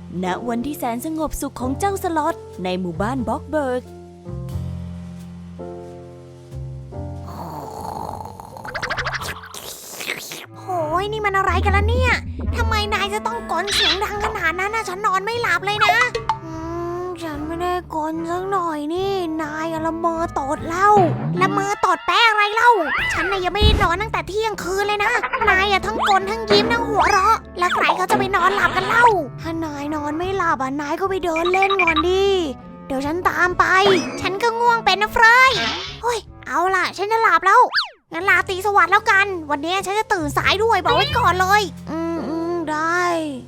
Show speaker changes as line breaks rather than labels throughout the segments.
ณวันที่แสนสงบสุขของเจ้าสล็อตในหมู่บ้านบ็อกเบิร์ก
โอ้ยนี่มันอะไรกันล่ะเนี่ยทำไมนายจะต้องกลเสียงดังขนาดนั้นนะฉันนอนไม่หลับเลยนะฉันไม่ได้กลสักหน่อยนี่นายละเมอตดเล่าละเมอตดแป้อะไรเล่าฉันน่ะยังไม่ได้นอนตั้งแต่เที่ยงคืนเลยนะนายทั้งกลทั้งยิ้มทั้งหัวเราะแล้วใครเขาจะไปนอนหลับกันเล่าถ้านายนอนไม่หลับนายก็ไปเดินเล่นก่อนดิเดี๋ยวฉันตามไปฉันก็ง่วงเป็นนะเฟรยเฮ้ยเอาล่ะฉันจะหลับแล้วงั้นลาตรีสวัสดิ์แล้วกันวันนี้ฉันจะตื่นสายด้วยบอกไว้ก่อนเลยได้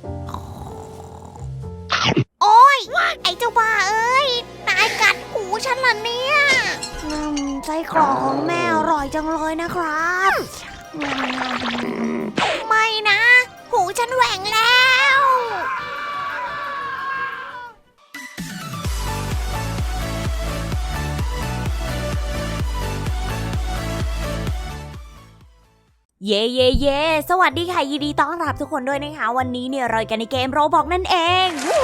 โอ๊ยไอ้เจ้าบ้าเอ้ยนายกัดหูฉันเหรอเนี่ยไส้กรอกของแม่อร่อยจังเลยนะครับไม่นะหูฉันแหว่งแล้ว
เย่เย่เย่สวัสดีค่ะยินดีต้อนรับทุกคนด้วยนะคะวันนี้เนี่ยเรากันในเกมโรบอกนั่นเอง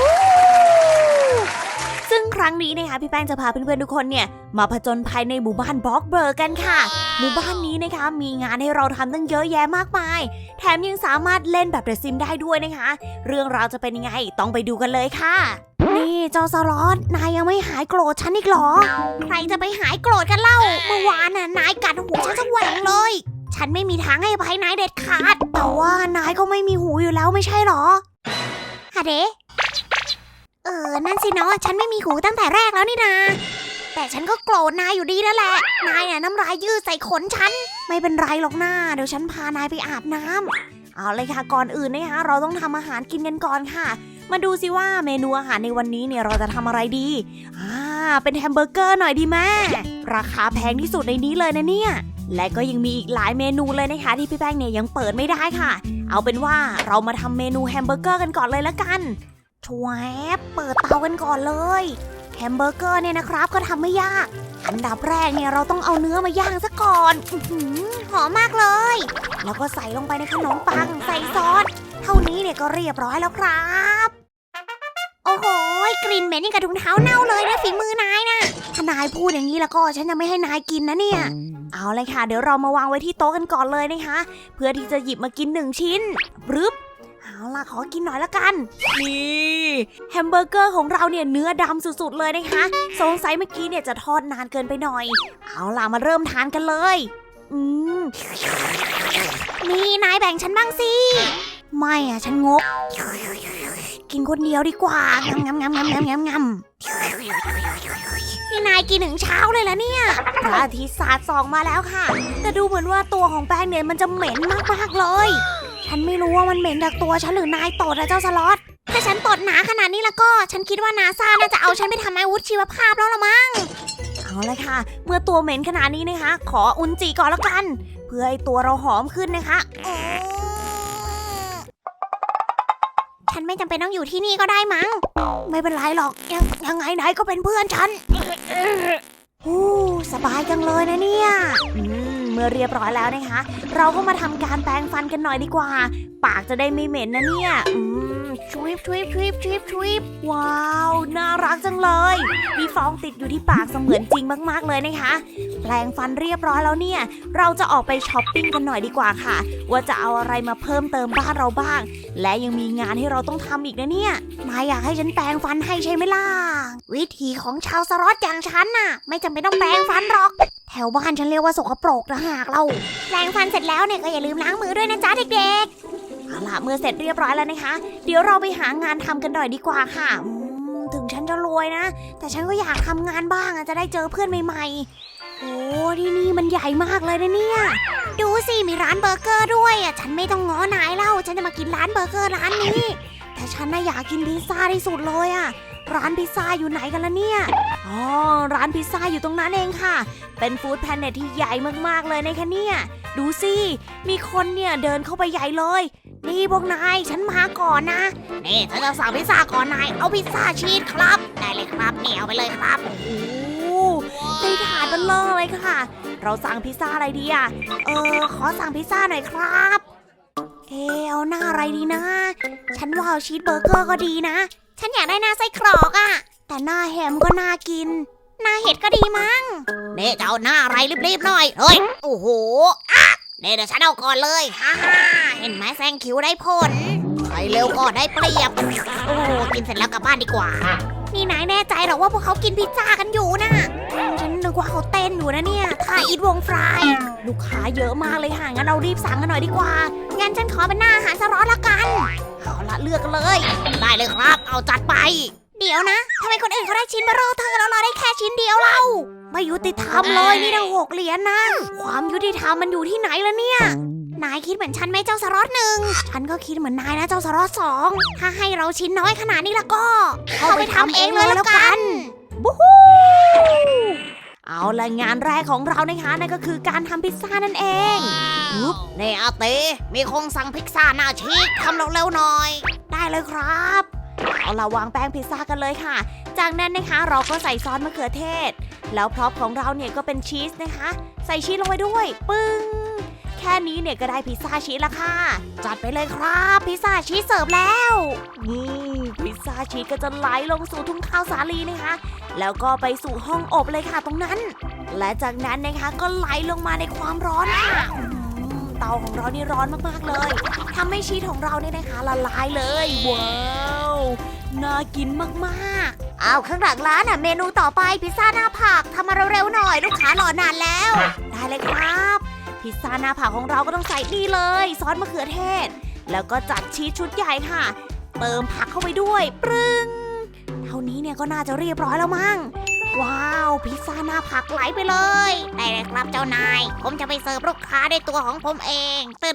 ซึ่งครั้งนี้นะคะพี่แป้งจะพาเพื่อนๆทุกคนเนี่ยมาผจญภัยในหมู่บ้านบ็อกเบิร์กกันค่ะหมู่บ้านนี้นะคะมีงานให้เราทำตั้งเยอะแยะมากมายแถมยังสามารถเล่นแบบเดอะซิมได้ด้วยนะคะเรื่องราวจะเป็นยังไงต้องไปดูกันเลยค่ะ
นี่เจ้าสล็อตนายยังไม่หายโกรธฉันอีกเหรอใครจะไปหายโกรธกันเล่าเมื่อวานน่ะนายกัดหูฉันจะแหว่งเลยฉันไม่มีทางให้อภัยนายเด็ดขาดแต่ว่านายก็ไม่มีหูอยู่แล้วไม่ใช่หรอฮะเดนั่นสิเนาะฉันไม่มีหูตั้งแต่แรกแล้วนี่นาแต่ฉันก็โกรธนายอยู่ดีนั่นแหละนายน่ะน้ำลายยืดใส่ขนฉันไม่เป็นไรหรอกนะเดี๋ยวฉันพานายไปอาบน้ำเอาเลยค่ะก่อนอื่นนะคะเราต้องทำอาหารกินกันก่อนค่ะมาดูสิว่าเมนูอาหารในวันนี้เนี่ยเราจะทำอะไรดีเป็นแฮมเบอร์เกอร์หน่อยดีแม่ราคาแพงที่สุดในนี้เลยนะเนี่ยและก็ยังมีอีกหลายเมนูเลยนะคะที่พี่แป้งเนี่ยยังเปิดไม่ได้ค่ะเอาเป็นว่าเรามาทำเมนูแฮมเบอร์เกอร์กันก่อนเลยละกันชวบเปิดเตากันก่อนเลยแฮมเบอร์เกอร์เนี่ยนะครับก็ทำไม่ยากอันดับแรกเนี่ยเราต้องเอาเนื้อมาย่างซะก่อนหอมมากเลยแล้วก็ใส่ลงไปในขนมปังใส่ซอสเท่านี้เนี่ยก็เรียบร้อยแล้วครับโอ้โหกลิ่นเหม็นยังกระถุงเท้าเน่าเลยนะฝีมือนายนะถ้านายพูดอย่างนี้แล้วก็ฉันจะไม่ให้นายกินนะเนี่ยเอาเลยค่ะเดี๋ยวเรามาวางไว้ที่โต๊ะกันก่อนเลยนะคะเพื่อที่จะหยิบมากิน1ชิ้นบรึบเอาล่ะขอกินหน่อยละกันนี่แฮมเบอร์เกอร์ของเราเนี่ยเนื้อดำสุดๆเลยนะคะสงสัยเมื่อกี้เนี่ยจะทอดนานเกินไปหน่อยเอาล่ะมาเริ่มทานกันเลยนี่นายแบ่งฉันบ้างสิไม่ฉันงกกินคนเดียวดีกว่างำนี่นายกินถึงเช้าเลยล่ะเนี่ย
พระอาทิตย์สาดส่องมาแล้วค่ะแต่ดูเหมือนว่าตัวของแป้งเนี่ยมันจะเหม็นมากๆเลย
ฉันไม่รู้ว่ามันเหม็นจากตัวฉันหรือนายตดนะเจ้าสล็อตถ้าฉันตดหนาขนาดนี้แล้วก็ฉันคิดว่านาซาน่าจะเอาฉันไปทำอาวุธชีวภาพแล้วละมั้ง
เอาเลยค่ะเมื่อตัวเหม็นขนาดนี้นะคะขออุนจิก่อนแล้วกันเพื่อให้ตัวเราหอมขึ้นนะคะ
ฉันไม่จำเป็นต้องอยู่ที่นี่ก็ได้มั้งไม่เป็นไรหรอกยังไงนายก็เป็นเพื่อนฉันสบายจังเลยนะเนี่ย
เมื่อเรียบร้อยแล้วนะคะเราก็มาทำการแปรงฟันกันหน่อยดีกว่าปากจะได้ไม่เหม็นนะเนี่ย
ชุบ
ว้าวน่ารักจังเลยมีฟองติดอยู่ที่ปากเสมือนจริงมากๆเลยนะคะแปรงฟันเรียบร้อยแล้วเนี่ยเราจะออกไปช้อปปิ้งกันหน่อยดีกว่าค่ะว่าจะเอาอะไรมาเพิ่มเติมบ้านเราบ้างและยังมีงานให้เราต้องทำอีกนะเนี่ย
นายอยากให้ฉันแปรงฟันให้ใช่ไหมล่ะวิธีของชาวสล็อตอย่างฉันน่ะไม่จำเป็นต้องแปรงฟันหรอกแถวบ้านฉันเรียกว่าสกปรกนะหากเราแปรงฟันเสร็จแล้วเนี่ยก็อย่าลืมล้างมือด้วยนะจ๊ะเด็กๆ
เอาล่ะเมื่อเสร็จเรียบร้อยแล้วนะคะเดี๋ยวเราไปหางานทำกันหน่อยดีกว่าค่ะ
ถึงฉันจะรวยนะแต่ฉันก็อยากทำงานบ้างจะได้เจอเพื่อนใหม่ๆโอ้ที่นี่มันใหญ่มากเลยนะเนี่ยดูสิมีร้านเบอร์เกอร์ด้วยฉันไม่ต้องง้อนายเล่าฉันจะมากินร้านเบอร์เกอร์ร้านนี้แต่ฉันน่ะอยากกินพิซซ่าที่สุดเลยร้านพิซซ่าอยู่ไหนกันล่ะเนี่ย
ร้านพิซซ่าอยู่ตรงนั้นเองค่ะเป็นฟู้ดแพนเน็ตที่ใหญ่มากๆเลยนะคะเนี่ยดูสิมีคนเนี่ยเดินเข้าไปใหญ่เลย
นี่พวกนายฉันมาก่อนนะนี่ฉันจะสั่งพิซซ่าก่อนนายเอาพิซซ่าชีสครับได้เลยครับเนี่ยเอาไปเลยครับ
โอ้โหได้ถาดเบลอเลยค่ะเราสั่งพิซซ่าอะไรดี
ขอสั่งพิซซ่าหน่อยครับเอาหน้าอะไรดีนะฉันว่าเอาชีสเบอร์เกอร์ก็ดีนะฉันอยากได้หน้าไส้กรอกอะแต่หน้าแฮมก็น่ากิน หน้าเห็ดก็ดีมั้งเน่จะเอาหน้าอะไรรีบๆหน่อยเฮ้ยโอ้โหอะเดี๋ยวฉันเอาก่อนเลยฮ่าเห็นไหมแซงคิวได้ผลใครเร็วก็ได้เปรียบโอ้กินเสร็จแล้วกลับบ้านดีกว่านี่นายแน่ใจเหรอว่าพวกเขากินพิซซ่ากันอยู่นะฉันนึกว่าเขาเต้นอยู่นะเนี่ยท่าอีทวงฟรายลูกค้าเยอะมากเลยค่ะงั้นเรารีบสั่งกันหน่อยดีกว่างั้นฉันขอเป็นหน้าอาหารสล็อตละกันเอาละเลือกกันเลยได้เลยครับเอาจัดไปเดี๋ยวนะทำไมคนอื่นเขาได้ชิ้นเบอร์เร่อเธอแล้วเราได้แค่ชิ้นเดียวเราไม่ยุติธรรมเลยนี่ตั้ง6 เหรียญนะความยุติธรรมมันอยู่ที่ไหนล่ะเนี่ยนายคิดเหมือนฉันไหมเจ้าสล็อต1ฉันก็คิดเหมือนนายนะเจ้าสล็อต2ถ้าให้เราชิ้นน้อยขนาดนี้ละก็เข้าไปทำเองเลยแล้วกันบูฮู้เอาละงานแรกของเรานะคะนั่นก็คือการทำพิซซ่านั่นเองปุ๊บเนอาเต้มีคงสั่งพิซซ่าหน้าชีกทำเร็วๆหน่อยได้เลยครับเอาละวางแป้งพิซซ่ากันเลยค่ะจากนั้นนะคะเราก็ใส่ซอสมะเขือเทศแล้วพร็อพของเราเนี่ยก็เป็นชีสนะคะใส่ชีสลงไปด้วยปึ้งแค่นี้เนี่ยก็ได้พิซซ่าชีสละค่ะจัดไปเลยครับพิซซ่าชีสเสิร์ฟแล้วนี่พิซซ่าชีสก็จะไหลลงสู่ทุ่งข้าวสาลีนะคะแล้วก็ไปสู่ห้องอบเลยค่ะตรงนั้นและจากนั้นนะคะก็ไหลลงมาในความร้อนค่ะเตาของเรานี่ร้อนมากๆเลยทำให้ชีสของเราเนี่ยนะคะละลายเลยว้าวน่ากินมากๆเอาข้างหลังร้านอ่ะเมนูต่อไปพิซซ่าหน้าผักทำมาเร็วๆหน่อยลูกค้ารอนานแล้วได้เลยครับพิซซ่าหน้าผักของเราก็ต้องใส่นี่เลยซอสมะเขือเทศแล้วก็จัดชีสชุดใหญ่ค่ะเติมผักเข้าไปด้วยปรึ้งเท่านี้เนี่ยก็น่าจะเรียบร้อยแล้วมั้งว้าวพิซซ่าหน้าผักไหลไปเลยได้เลยครับเจ้านายผมจะไปเสิร์ฟลูกค้าด้วยตัวของผมเองตื่น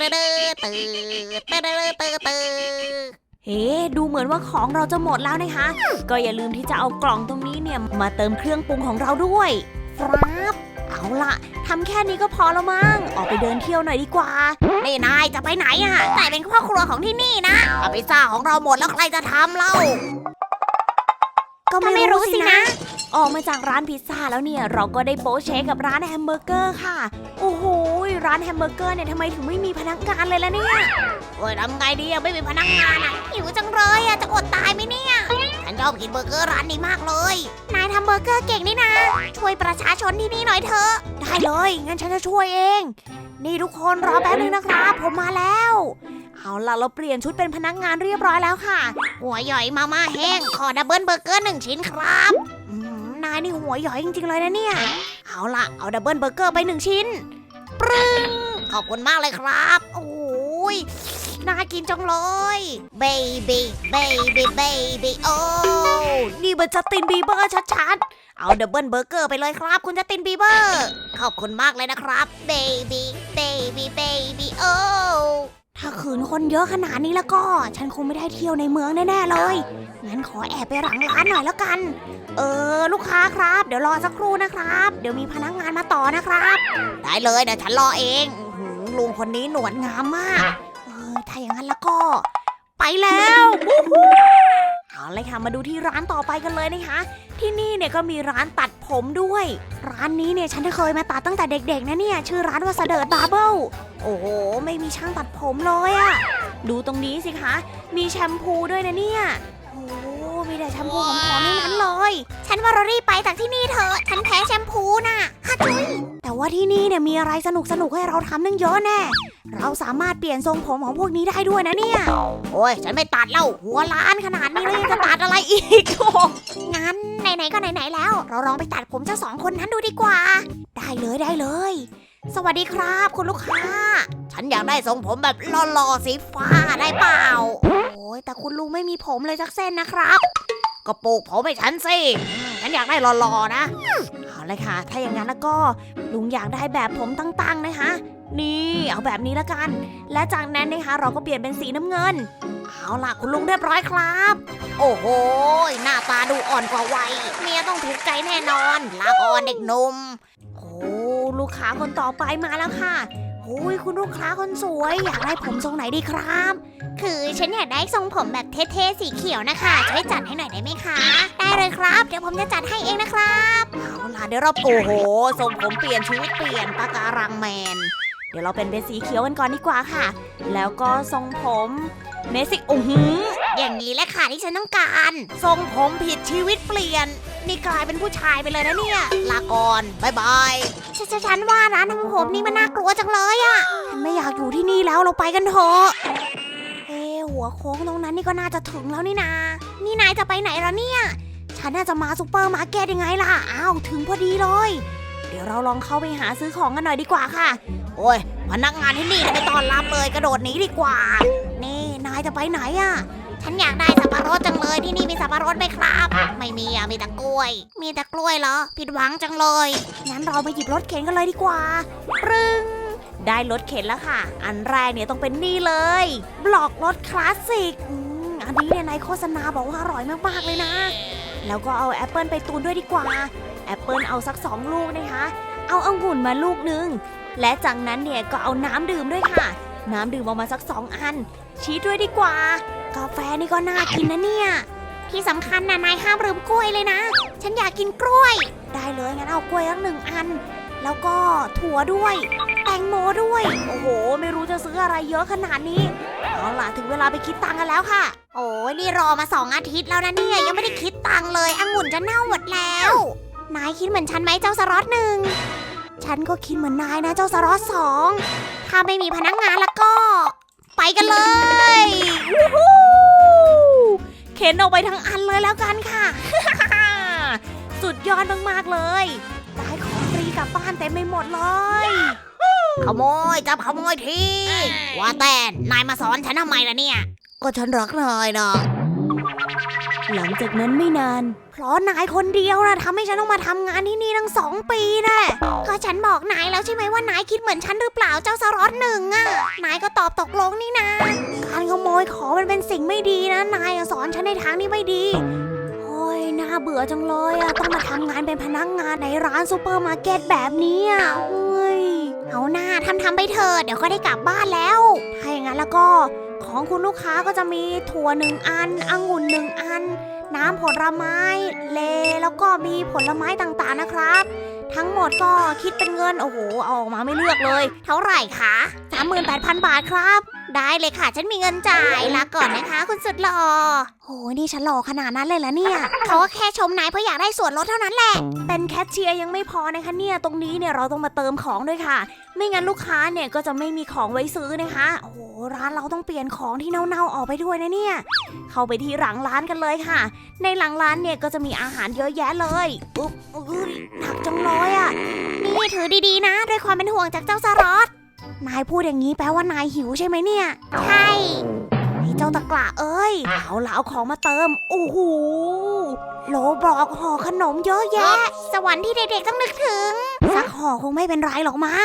เฮ้ดูเหมือนว่าของเราจะหมดแล้วนะคะก็อย่าลืมที่จะเอากล่องตรงนี้เนี่ยมาเติมเครื่องปรุงของเราด้วยครับเอาล่ะทำแค่นี้ก็พอแล้วมั้งออกไปเดินเที่ยวหน่อยดีกว่านี่นายจะไปไหนอ่ะแต่เป็นพ่อครัวของที่นี่นะพิซซ่าของเราหมดแล้วใครจะทำเล่าก็ไม่รู้สินะออกมาจากร้านพิซซ่าแล้วเนี่ยเราก็ได้โป๊เชคกับร้านแฮมเบอร์เกอร์ค่ะโอ้โหร้านแฮมเบอร์เกอร์เนี่ยทำไมถึงไม่มีพนักงานเลยล่ะเนี่ยโอ้ยทำไงดีอะไม่มีพนักงานอะหิวจังเลยอะจะอดตายไหมเนี่ยฉันชอบกินเบอร์เกอร์ร้านนี้มากเลยนายทำเบอร์เกอร์เก่งนี่นะช่วยประชาชนที่นี่หน่อยเถอะได้เลยงั้นฉันจะช่วยเองนี่ทุกคนรอแป๊บนึงนะครับผมมาแล้วเอาล่ะเราเปลี่ยนชุดเป็นพนักงานเรียบร้อยแล้วค่ะหัวใหญ่มาม่าแห้งขอดับเบิลเบอร์เกอร์1 ชิ้นครับนายนี่หัวใหญ่จริงๆเลยนะเนี่ยเอาล่ะเอาดับเบิลเบอร์เกอร์ไป1 ชิ้นปรึ้งขอบคุณมากเลยครับโอ้ยน่ากินจังเลยเบบี้โอ้นี่มันจัสตินบีเบอร์ชัดๆเอาดับเบิลเบอร์เกอร์ไปเลยครับคุณจัสตินบีเบอร์ขอบคุณมากเลยนะครับเบบี้โอ้ถ้าขืนคนเยอะขนาดนี้แล้วก็ฉันคงไม่ได้เที่ยวในเมืองแน่ๆเลยงั้นขอแอบไปหลังร้านหน่อยแล้วกันลูกค้าครับเดี๋ยวรอสักครู่นะครับเดี๋ยวมีพนักงานมาต่อนะครับได้เลยเดี๋ยวฉันรอเองลุงคนนี้หนวดงามมากถ้าอย่างนั้นแล้วก็ไปแล้วเอาเลยค่ะมาดูที่ร้านต่อไปกันเลยนะคะที่นี่เนี่ยก็มีร้านตัดผมด้วยร้านนี้เนี่ยฉันเคยมาตัดตั้งแต่เด็กๆนะเนี่ยชื่อร้านว่าเสดิร์ดบาร์เบิลโอ้โหไม่มีช่างตัดผมเลยอะดูตรงนี้สิคะมีแชมพูด้วยนะเนี่ยโอ้มีแต่แชมพูหอมๆทั้งนั้นเลยฉันว่าเรารีบไปจากที่นี่เถอะฉันแพ้แชมพูน่ะฮัจุยแต่ว่าที่นี่เนี่ยมีอะไรสนุกๆให้เราทำนั่งเยอะแน่เราสามารถเปลี่ยนทรงผมของพวกนี้ได้ด้วยนะเนี่ยโอ้ยฉันไม่ตัดแล้วหัวล้านขนาดนี้เลยจะตัดอะไรอีกงั้นไหนๆก็ไหนๆแล้วเราลองไปตัดผมเจ้า2 คนนั้นดูดีกว่าได้เลยสวัสดีครับคุณลูกค้าฉันอยากได้ทรงผมแบบหล่อๆสีฟ้าได้เปล่าโอ้ยแต่คุณลุงไม่มีผมเลยสักเส้นนะครับก็ปลูกผมให้ฉันสิฉันอยากได้หล่อๆนะเอาเลยค่ะถ้าอย่างนั้นแล้วก็ลุงอยากได้แบบผมตั้งๆนะคะนี่เอาแบบนี้ละกันและจากนั้นนะคะเราก็เปลี่ยนเป็นสีน้ำเงินเอาล่ะคุณลุงเรียบร้อยครับโอ้โหหน้าตาดูอ่อนกว่าวัยเมียต้องถูกใจแน่นอนลาก่อนเด็กหนุ่มโอ้ลูกค้าคนต่อไปมาแล้วค่ะโอ้ยคุณลูกค้าคนสวยอยากได้ผมทรงไหนดีครับคือฉันอยากได้ทรงผมแบบเท่ๆสีเขียวนะคะช่วยจัดให้หน่อยได้ไหมคะได้เลยครับเดี๋ยวผมจะจัดให้เองนะครับเอาล่ะเดี๋ยวเราโอ้โหทรงผมเปลี่ยนชีวิตเปลี่ยนปะการังแมนเดี๋ยวเราเป็นสีเขียวกันก่อนดีกว่าค่ะแล้วก็ทรงผม
เนสิโอ้โห
อย่างนี้แหละค่ะที่ฉันต้องการ
ทรงผมผิดชีวิตเปลี่ยน นี่กลายเป็นผู้ชายไปเลยนะเนี่ย ลาก่อนบ๊ายบาย
ฉันว่าร้านทำผมนี่มันน่ากลัวจังเลยอะฉันไม่อยากอยู่ที่นี่แล้วเราไปกันเถอะหัวโค้งตรงนั้นนี่ก็น่าจะถึงแล้วนี่นานี่นายจะไปไหนแล้วเนี่ย ฉันน่าจะมาซูเปอร์มาร์เก็ตยังไงล่ะอ้าวถึงพอดีเลย
เดี๋ยวเราลองเข้าไปหาซื้อของกันหน่อยดีกว่าค่ะ โอ้ยพนักงานที่นี่ไม่ต้อนรับเลยกระโดดหนีดีกว่า
นี่นายจะไปไหนอะฉันอยากได้สับปะรดจังเลยที่นี่มีสับปะรดไหมครับ ไม่มีอะมีแต่กล้วย มีแต่กล้วยเหรอผิดหวังจังเลยงั้นเราไปหยิบรถเข็นกันเลยดีกว่าปรึง
ได้รถเข็นแล้วค่ะ อันแรกเนี่ยต้องเป็นนี่เลย บล็อกรถคลาสสิกอันนี้เนี่ยในโฆษณาบอกว่าอร่อยมากๆเลยนะ แล้วก็เอาแอปเปิลไปตูนด้วยดีกว่า แอปเปิลเอาสัก2ลูกนะคะ เอาองุ่นมาลูกนึง และจากนั้นเนี่ยก็เอาน้ำดื่มด้วยค่ะ น้ำดื่มเอามาสัก2อัน ชีสด้วยดีกว่า
กาแฟนี่ก็น่ากินนะเนี่ย ที่สำคัญนะนายห้ามลืมกล้วยเลยนะ ฉันอยากกินกล้วย ได้เลยงั้นเอากล้วยสัก1อัน แล้วก็ถั่วด้วย แตงโมด้วย
โอ้โห ไม่รู้จะซื้ออะไรเยอะขนาดนี้ เอาล่ะถึงเวลาไปคิดตังค์กันแล้วค่ะ
โอ้ยนี่รอมา2อาทิตย์แล้วนะเนี่ยยังไม่ได้คิดตังค์เลยองุ่นจะเน่าหมดแล้ว นายคิดเหมือนฉันไหมเจ้าสล็อต1ฉันก็คิดเหมือนนายนะเจ้าสล็อต2ถ้าไม่มีพนักงานแล้วก็ ไปกันเลย
วู้ฮู้เข็นออกไปทั้งอันเลยแล้วกันค่ะ สุดยอดมากๆเลย ได้ของฟรีกลับบ้านเต็มไปหมดเลย
ขโมยจับขโมยทีว่าแต่นายมาสอนฉันทำไมล่ะเนี่ย
ก็ฉันรักนายนะ หลังจากนั้นไม่นาน
เพราะนายคนเดียวนะทำให้ฉันต้องมาทำงานที่นี่ตั้ง2 ปีนะก็ฉันบอกนายแล้วใช่ไหมว่านายคิดเหมือนฉันหรือเปล่าเจ้าสล็อต1อ่ะนายก็ตอบตกลงนี่นะการขโมยของมันเป็นสิ่งไม่ดีนะนายสอนฉันในทางที่ไม่ดีโอ้ยน่าเบื่อจังเลยอ่ะต้องมาทำงานเป็นพนักงานในร้านซูเปอร์มาร์เก็ตแบบนี้อ่ะเฮ้ยเอาหน้าทำไปเถอะเดี๋ยวก็ได้กลับบ้านแล้วถ้าอย่างนั้นแล้วก็ของคุณลูกค้าก็จะมีถั่ว1อันองุ่น1อันน้ำผลไม้แล้วก็มีผลไม้ต่างๆนะครับทั้งหมดก็คิดเป็นเงินโอ้โหเอาออกมาไม่เลือกเลยเท่าไหร่คะ 38,000 บาทครับได้เลยค่ะฉันมีเงินจ่ายลาก่อนนะคะคุณสุดหล่อโหนี่ฉันหล่อขนาดนั้นเลยเหรอเนี่ยเขาก็แค่ชมนายเพราะอยากได้ส่วนลดเท่านั้นแหละ
เป็นแคชเชียร์ยังไม่พอนะคะเนี่ย ตรงนี้เนี่ยเราต้องมาเติมของด้วยค่ะ ไม่งั้นลูกค้าเนี่ยก็จะไม่มีของไว้ซื้อนะคะ โอ้โหร้านเราต้องเปลี่ยนของที่เน่าๆออกไปด้วยนะเนี่ย เข้าไปที่หลังร้านกันเลยค่ะ ในหลังร้านเนี่ยก็จะมีอาหารเยอะแยะเลยอุ๊บหนักจังเลยอ่ะ
นี่ถือดีๆนะด้วยความเป็นห่วงจากเจ้าสล็อตนายพูดอย่างนี้แปลว่านายหิวใช่ไหมเนี่ยใช่ไอ้เจ้าตะกละเอ้ย
เอาละเอาของมาเติม โอ้โห
โหลบอกห่อขนมเยอะแยะ สวรรค์ที่เด็กๆต้องนึกถึงสักห่อคงไม่เป็นไรหรอกมั้ง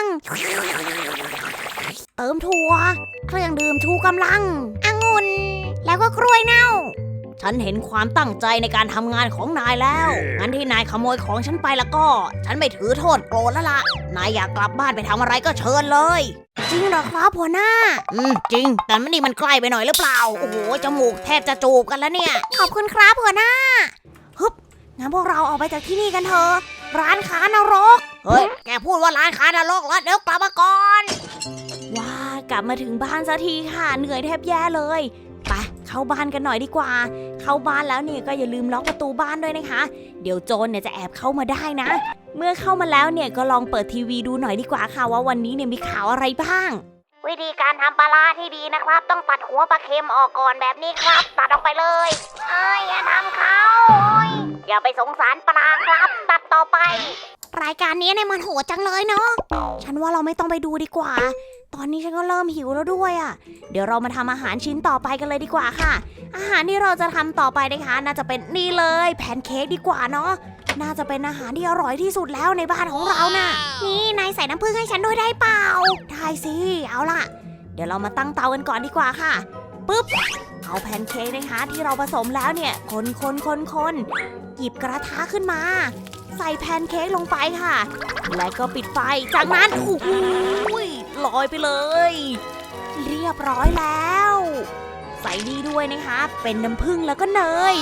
เติมถั่วเครื่องดื่มชูกำลังองุ่นแล้วก็กล้วยเน่า
ฉันเห็นความตั้งใจในการทำงานของนายแล้ว งั้นที่นายขโมยของฉันไปแล้วก็ ฉันไม่ถือโทษโกรธแล้วล่ะ นายอยากกลับบ้านไปทำอะไรก็เชิญเลย
จริงเหรอครับหัวหน้า
จริง แต่มันนี่มันใกล้ไปหน่อยหรือเปล่า โอ้โห จมูกแทบจะจูบกันแล้วเนี่ย
ขอบคุณครับหัวหน้าฮึบงั้นพวกเราออกไปจากที่นี่กันเถอะร้านค้านรก
เฮ้ย แกพูดว่าร้านค้านรกแล้วเดี๋ยวกลับมาก่อน ว้ากลับมาถึงบ้านสักทีค่ะ เหนื่อยแทบแย่เลย ไปเข้าบ้านกันหน่อยดีกว่า เข้าบ้านแล้วเนี่ยก็อย่าลืมล็อกประตูบ้านด้วยนะคะ เดี๋ยวโจรเนี่ยจะแอบเข้ามาได้นะ เมื่อเข้ามาแล้วเนี่ยก็ลองเปิดทีวีดูหน่อยดีกว่าค่ะว่าวันนี้เนี่ยมีข่าวอะไรบ้าง
วิธีการทำปลาร้าที่ดีนะครับ ต้องตัดหัวปลาเค็มออกก่อนแบบนี้ครับ ตัดออกไปเลยอย่าทำเขาอย่าไปสงสารปลาครับ ตัดต่อไป รายการนี้เนี่ยมันโหดจังเลยเนาะฉันว่าเราไม่ต้องไปดูดีกว่า ตอนนี้ฉันก็เริ่มหิวแล้วด้วยอ่ะ
เดี๋ยวเรามาทำอาหารชิ้นต่อไปกันเลยดีกว่าค่ะ อาหารที่เราจะทำต่อไปนะคะ น่าจะเป็นนี่เลยแพนเค้กดีกว่าเนาะน่าจะเป็นอาหารที่อร่อยที่สุดแล้วในบ้านของเราน่ะ
นี่นายใส่น้ำผึ้งให้ฉันด้วยได้เปล่า
ได้สิเอาล่ะ เดี๋ยวเรามาตั้งเตากันก่อนดีกว่าค่ะปึ๊บเอาแพนเค้กนะคะที่เราผสมแล้วเนี่ยคนหยิบกระทะขึ้นมา ใส่แพนเค้กลงไปค่ะ และก็ปิดไฟจากนั้นโอ้โหลอยไปเลย เรียบร้อยแล้ว ใส่ดีด้วยนะคะเป็นน้ำผึ้งแล้วก็เนย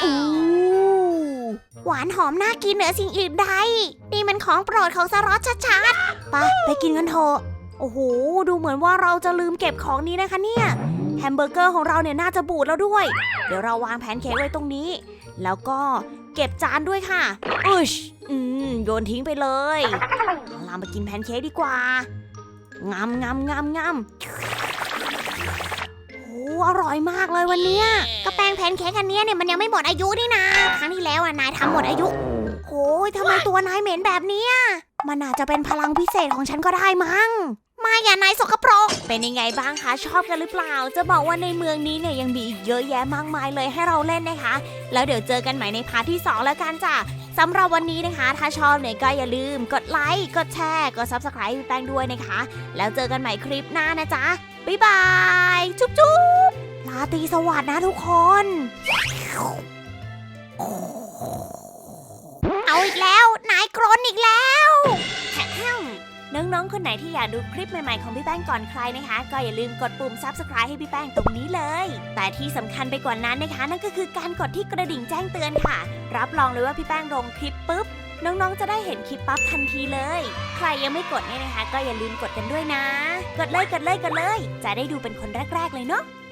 หวานหอมน่ากินเหนือสิ่งอื่นใดนี่มันของโปรดของสล็อตชัด
ๆไปกินกันเถอะโอ้โหดูเหมือนว่าเราจะลืมเก็บของนี้นะคะเนี่ยแฮมเบอร์เกอร์ของเราเนี่ยน่าจะบูดแล้วด้วย เดี๋ยวเราวางแพนเค้กไว้ตรงนี้ แล้วก็เก็บจานด้วยค่ะโยนทิ้งไปเลยเรามากินแพนเค้กดีกว่างามโอ้อร่อยมากเลยวันเนี้ย
ก็แป้งแพนเค้กอันเนี้ยเนี่ยมันยังไม่หมดอายุนี่นะครั้งที่แล้วนายทำหมดอายุโอ้ยทำไมตัวนายเหม็นแบบเนี้ยมันอาจจะเป็นพลังพิเศษของฉันก็ได้มั้งไม่อย่านายสกปรก
เป็นยังไงบ้างคะชอบกันหรือเปล่าจะบอกว่าในเมืองนี้เนี่ยยังมีอีกเยอะแยะมากมายเลยให้เราเล่นนะคะแล้วเดี๋ยวเจอกันใหม่ในพาร์ทที่2แล้วกันจ้ะสำหรับวันนี้นะคะ ถ้าชอบเนี่ยก็อย่าลืมกดไลค์กดแชร์กด Subscribe ให้พี่แป้งด้วยนะคะแล้วเจอกันใหม่คลิปหน้านะจ๊ะบ๊ายบายจุ๊บๆ
ราตรีสวัสดิ์นะทุกคน เอาอีกแล้ว นายกรนอีกแล้ว
น้องๆ คนไหนที่อยากดูคลิปใหม่ๆ ของพี่แป้งก่อนใครนะคะ ก็อย่าลืมกดปุ่ม Subscribe ให้พี่แป้งตรงนี้เลย แต่ที่สำคัญไปกว่านั้นนะคะ นั่นก็คือการกดที่กระดิ่งแจ้งเตือนค่ะ รับรองเลยว่าพี่แป้งลงคลิปปุ๊บ น้องๆ จะได้เห็นคลิปปั๊บทันทีเลย ใครยังไม่กดเนี่ยนะคะ ก็อย่าลืมกดกันด้วยนะ กดเลย จะได้ดูเป็นคนแรกๆ เลยเนาะ